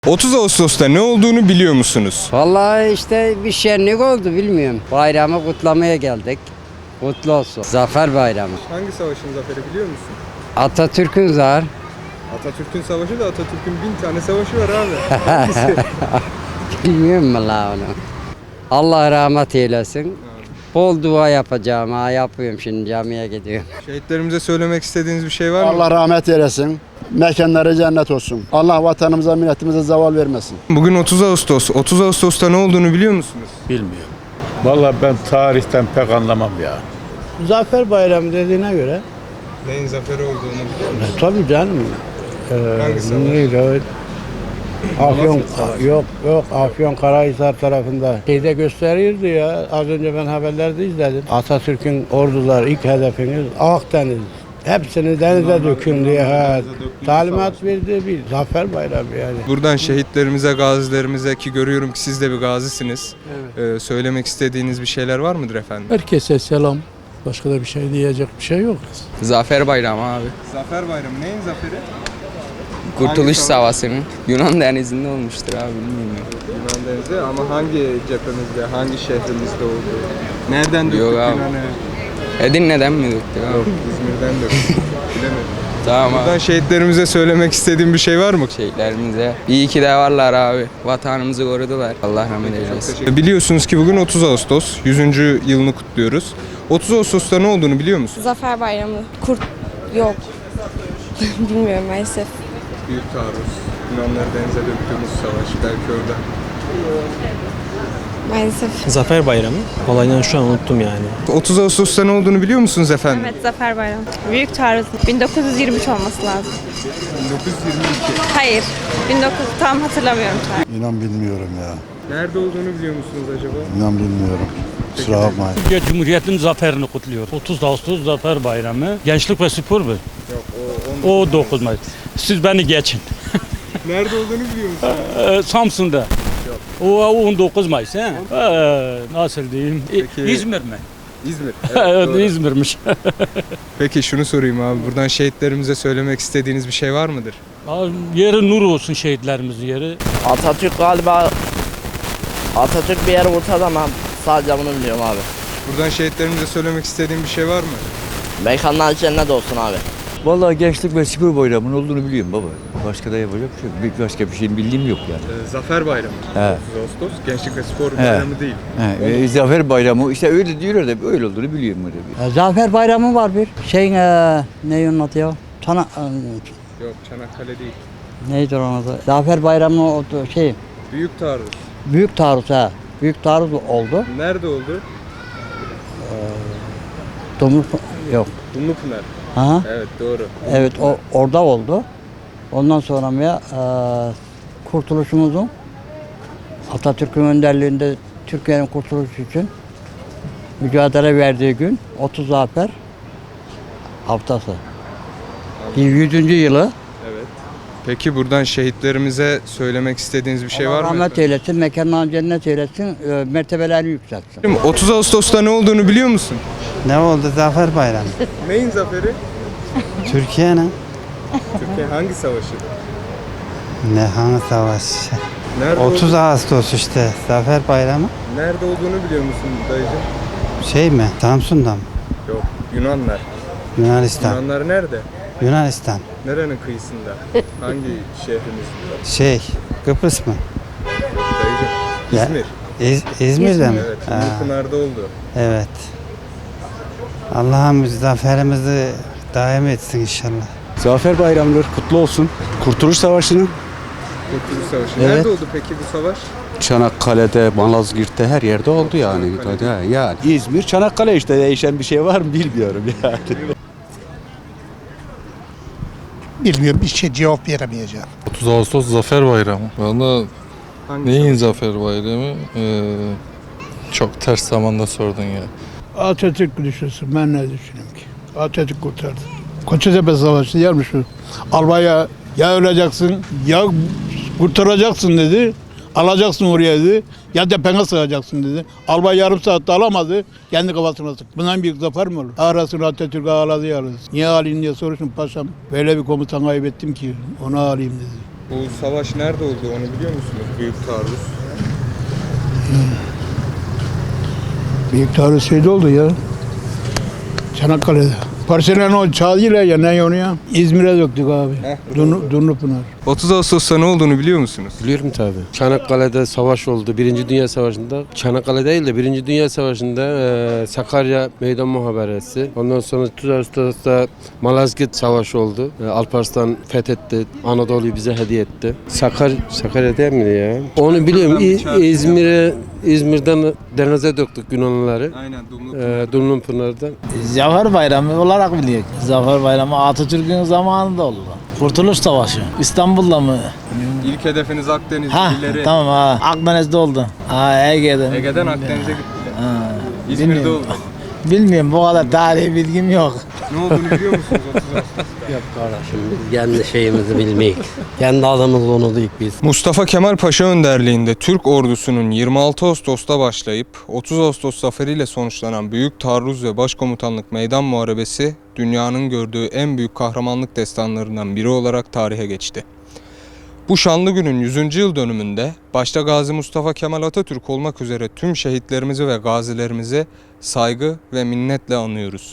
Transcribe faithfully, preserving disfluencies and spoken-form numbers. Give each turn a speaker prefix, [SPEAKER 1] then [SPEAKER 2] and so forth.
[SPEAKER 1] otuz Ağustos'ta ne olduğunu biliyor musunuz?
[SPEAKER 2] Vallahi işte bir şenlik oldu bilmiyorum. Bayramı kutlamaya geldik. Kutlu olsun. Zafer Bayramı.
[SPEAKER 1] Hangi savaşın zaferi biliyor musun?
[SPEAKER 2] Atatürk'ün zar.
[SPEAKER 1] Atatürk'ün savaşı da Atatürk'ün bin tane savaşı var abi. Hangisi?
[SPEAKER 2] Bilmiyorum mu la onu? Allah rahmet eylesin. Bol dua yapacağım ha, yapıyorum şimdi, camiye gidiyorum.
[SPEAKER 1] Şehitlerimize söylemek istediğiniz bir şey var mı?
[SPEAKER 3] Allah rahmet eylesin. Mekanları cennet olsun. Allah vatanımıza, milletimize zeval vermesin.
[SPEAKER 1] Bugün otuz Ağustos. otuz Ağustos'ta ne olduğunu biliyor musunuz?
[SPEAKER 4] Bilmiyorum. Vallahi ben tarihten pek anlamam ya.
[SPEAKER 5] Zafer Bayramı dediğine göre
[SPEAKER 1] Neyin zaferi olduğunu biliyor musunuz?
[SPEAKER 5] e, tabii canım. E,
[SPEAKER 1] Hangi savaş?
[SPEAKER 5] neydi o? Afyon yok yok Afyon Karahisar tarafında şeyde gösteriyordu ya, az önce ben haberlerde izledim. Atatürk'ün orduları ilk hedefiniz Akdeniz. Hepsini denize dökün diye ha, talimat verdi, bir zafer bayramı yani.
[SPEAKER 1] Buradan şehitlerimize, gazilerimize, ki görüyorum ki siz de bir gazisiniz. Ee, söylemek istediğiniz bir şeyler var mıdır efendim?
[SPEAKER 6] Herkese selam. Başka da bir şey diyecek bir şey yok.
[SPEAKER 7] Zafer Bayramı abi.
[SPEAKER 1] Zafer Bayramı neyin zaferi?
[SPEAKER 7] Kurtuluş
[SPEAKER 1] savaş?
[SPEAKER 7] Savaşı'nın Yunan denizinde olmuştur abi, bilmiyorum.
[SPEAKER 1] Yunan denizi, ama hangi cephemizde, hangi şehrimizde oldu? Nereden döktük
[SPEAKER 7] Yok abi.
[SPEAKER 1] Yunan'ı?
[SPEAKER 7] Edirne'den mi döktük abi?
[SPEAKER 1] Yok, İzmir'den döktük. Bilemedim.
[SPEAKER 7] Tamam
[SPEAKER 1] Buradan
[SPEAKER 7] abi.
[SPEAKER 1] şehitlerimize söylemek istediğim bir şey var mı?
[SPEAKER 7] Şehitlerimize iyi ki de varlar abi. Vatanımızı korudular. Allah rahmet eylesin.
[SPEAKER 1] Biliyorsunuz ki bugün otuz Ağustos, yüzüncü yılını kutluyoruz. otuz Ağustos'ta ne olduğunu biliyor musun?
[SPEAKER 8] Zafer Bayramı. Kurt yok. Bilmiyorum maalesef.
[SPEAKER 1] Büyük taarruz. Yunanları denize döktüğümüz savaş. Belki orada.
[SPEAKER 8] Maalesef.
[SPEAKER 9] Zafer Bayramı. Olaydan şu an unuttum yani.
[SPEAKER 1] otuz Ağustos'ta ne olduğunu biliyor musunuz efendim?
[SPEAKER 8] Evet, Zafer Bayramı. Büyük taarruz. bin dokuz yüz yirmi üç olması lazım.
[SPEAKER 1] bin dokuz yüz yirmi iki.
[SPEAKER 8] Hayır. bin dokuz yüz tam hatırlamıyorum şu an.
[SPEAKER 3] İnan bilmiyorum ya.
[SPEAKER 1] Nerede olduğunu biliyor musunuz acaba?
[SPEAKER 3] İnan bilmiyorum. Kusura bakmayın.
[SPEAKER 10] Türkiye Cumhuriyeti'nin zaferini kutluyor. otuz Ağustos Zafer Bayramı. Gençlik ve spor mu?
[SPEAKER 1] Yok, o
[SPEAKER 10] O dokuz Mayıs. Siz beni geçin.
[SPEAKER 1] Nerede olduğunu biliyor musunuz?
[SPEAKER 10] Ee, Samsun'da. O on dokuz Mayıs. He? Ee, nasıl diyeyim? İ-
[SPEAKER 1] Peki-
[SPEAKER 10] İzmir mi?
[SPEAKER 1] İzmir.
[SPEAKER 10] Evet,
[SPEAKER 1] doğru.
[SPEAKER 10] İzmir'miş.
[SPEAKER 1] Peki şunu sorayım abi. Buradan şehitlerimize söylemek istediğiniz bir şey var mıdır?
[SPEAKER 10] Abi, yeri nur olsun şehitlerimizin yeri.
[SPEAKER 11] Atatürk galiba Atatürk bir yere vursa ama sadece bunu biliyorum abi.
[SPEAKER 1] Buradan şehitlerimize söylemek istediğin bir şey var mı?
[SPEAKER 11] Mekanlar cennet olsun abi.
[SPEAKER 12] Vallahi gençlik ve spor bayramının olduğunu biliyorum baba. Başka da yapacak bir şey yok. Bir- Başka bir şeyin bildiğim yok yani.
[SPEAKER 1] Ee, Zafer Bayramı.
[SPEAKER 12] He.
[SPEAKER 1] otuz Ağustos. Gençlik ve Spor Bayramı değil.
[SPEAKER 12] He, e, Zafer Bayramı işte öyle diyorlar da öyle olduğunu biliyorum öyle bir.
[SPEAKER 2] Zafer Bayramı var bir. Şeyin e, ne onun adı ya? Çana,
[SPEAKER 1] Yok, Çanakkale değil.
[SPEAKER 2] neydi onun adı? Zafer Bayramı o şey.
[SPEAKER 1] Büyük taarruz.
[SPEAKER 2] Büyük taarruz ha. Büyük taarruz oldu.
[SPEAKER 1] Nerede oldu?
[SPEAKER 2] Domuz yok.
[SPEAKER 1] Dumlupınar.
[SPEAKER 2] Ha?
[SPEAKER 1] Evet, doğru.
[SPEAKER 2] Evet, o orada oldu. Ondan sonra ya e, kurtuluşumuzun Atatürk'ün önderliğinde Türkiye'nin kurtuluşu için mücadele verdiği gün otuz Zafer haftası. yüzüncü yılı.
[SPEAKER 1] Evet. Peki buradan şehitlerimize söylemek istediğiniz bir şey
[SPEAKER 2] Allah
[SPEAKER 1] var mı?
[SPEAKER 2] rahmet
[SPEAKER 1] efendim?
[SPEAKER 2] eylesin, mekanlarını cennet eylesin, e, mertebelerini yükseltsin.
[SPEAKER 1] otuz Ağustos'ta ne olduğunu biliyor musun?
[SPEAKER 5] Ne oldu Zafer Bayramı?
[SPEAKER 1] Neyin zaferi?
[SPEAKER 5] Türkiye'nin
[SPEAKER 1] Türkiye hangi savaşı?
[SPEAKER 5] ne hangi savaş?
[SPEAKER 1] Nerede
[SPEAKER 5] otuz
[SPEAKER 1] oldu-
[SPEAKER 5] Ağustos işte Zafer Bayramı.
[SPEAKER 1] Nerede olduğunu biliyor musun dayıcım?
[SPEAKER 5] Şey mi? Samsun'da mı?
[SPEAKER 1] Yok, Yunanlar.
[SPEAKER 5] Yunanistan.
[SPEAKER 1] Yunanlar nerede?
[SPEAKER 5] Yunanistan.
[SPEAKER 1] Nerenin kıyısında? Hangi şehrimizde?
[SPEAKER 5] Şey, Kıbrıs mı?
[SPEAKER 1] Dayıcım.
[SPEAKER 5] Ya-
[SPEAKER 1] İzmir.
[SPEAKER 5] İz- İzmir'de mi?
[SPEAKER 1] Evet,
[SPEAKER 5] Ha,
[SPEAKER 1] Dumlupınar'da oldu.
[SPEAKER 5] evet. Allah'ım zaferimizi daim etsin inşallah.
[SPEAKER 3] Zafer Bayramı'dır. Kutlu olsun. Kurtuluş Savaşı'nın
[SPEAKER 1] Kurtuluş Savaşı.
[SPEAKER 3] Evet.
[SPEAKER 1] Nerede oldu peki bu savaş?
[SPEAKER 3] Çanakkale'de, Malazgirt'te her yerde oldu yani.
[SPEAKER 1] Çanakkale'de.
[SPEAKER 3] Yani İzmir, Çanakkale işte değişen bir şey var mı bilmiyorum yani.
[SPEAKER 6] Bilmiyorum, bir şey cevap veremeyeceğim.
[SPEAKER 4] otuz Ağustos Zafer Bayramı. Valla
[SPEAKER 1] Hangi
[SPEAKER 4] neyin
[SPEAKER 1] savaş?
[SPEAKER 4] Zafer Bayramı? Ee, çok ters zamanda sordun ya.
[SPEAKER 6] Atatürk düşünsün, ben ne düşüneyim ki? Atatürk kurtardı. Koçtepe Savaşı yermiş o. Albaya ya öleceksin ya kurtaracaksın dedi. Alacaksın oraya dedi. Ya tepene sığacaksın dedi. Albay yarım saatte alamadı. Kendi kafasına sıktı. Bundan büyük zafer mi olur? Arasını Atatürk ağladı yalnız. Niye alayım diye soruşun paşam. Böyle bir komutan kaybettim ki onu alayım dedi.
[SPEAKER 1] Bu savaş nerede oldu onu biliyor musunuz? Büyük taarruz.
[SPEAKER 6] Büyük taarruz şeyde oldu ya. Çanakkale'de. Parselen o çağıyla ya ne onu ya? İzmir'e döktük abi. Dunlu, Dunlupınar.
[SPEAKER 1] otuz Ağustos'ta ne olduğunu biliyor musunuz?
[SPEAKER 5] Biliyorum tabii. Çanakkale'de savaş oldu. Birinci Dünya Savaşı'nda. Çanakkale değil de Birinci Dünya Savaşı'nda e, Sakarya Meydan Muhaberesi. Ondan sonra otuz Ağustos'ta Malazgirt Savaşı oldu. E, Alparslan fethetti. Anadolu'yu bize hediye etti. Sakar, Sakarya değil mi ya? Onu biliyorum. İ- İzmir'e İzmir'den denize döktük Yunanlıları.
[SPEAKER 1] Aynen
[SPEAKER 5] E, Dumlupınar'dan.
[SPEAKER 10] Zafer Bayramı olarak biliyoruz. Zafer Bayramı Atatürk'ün zamanında oldu. Kurtuluş Savaşı. İstanbul'da mı?
[SPEAKER 1] İlk hedefiniz Akdeniz
[SPEAKER 10] Ha
[SPEAKER 1] illeri.
[SPEAKER 10] tamam ha. Akdeniz'de oldu. Ha Ege'de.
[SPEAKER 1] Ege'den Akdeniz'e gittiler.
[SPEAKER 10] Ha,
[SPEAKER 1] İzmir'de
[SPEAKER 10] bilmiyorum.
[SPEAKER 1] oldu.
[SPEAKER 10] Bilmiyorum bu kadar tarihi bilgim yok.
[SPEAKER 1] Ne olduğunu biliyor musunuz otuz Ağustos?
[SPEAKER 2] Yok kardeşim biz kendi şeyimizi bilmeyik. Kendi adımızı unuttuk biz.
[SPEAKER 1] Mustafa Kemal Paşa önderliğinde Türk ordusunun yirmi altı Ağustos'ta başlayıp otuz Ağustos zaferiyle sonuçlanan Büyük Taarruz ve Başkomutanlık Meydan Muharebesi dünyanın gördüğü en büyük kahramanlık destanlarından biri olarak tarihe geçti. Bu şanlı günün yüzüncü yıl dönümünde başta Gazi Mustafa Kemal Atatürk olmak üzere tüm şehitlerimizi ve gazilerimizi saygı ve minnetle anıyoruz.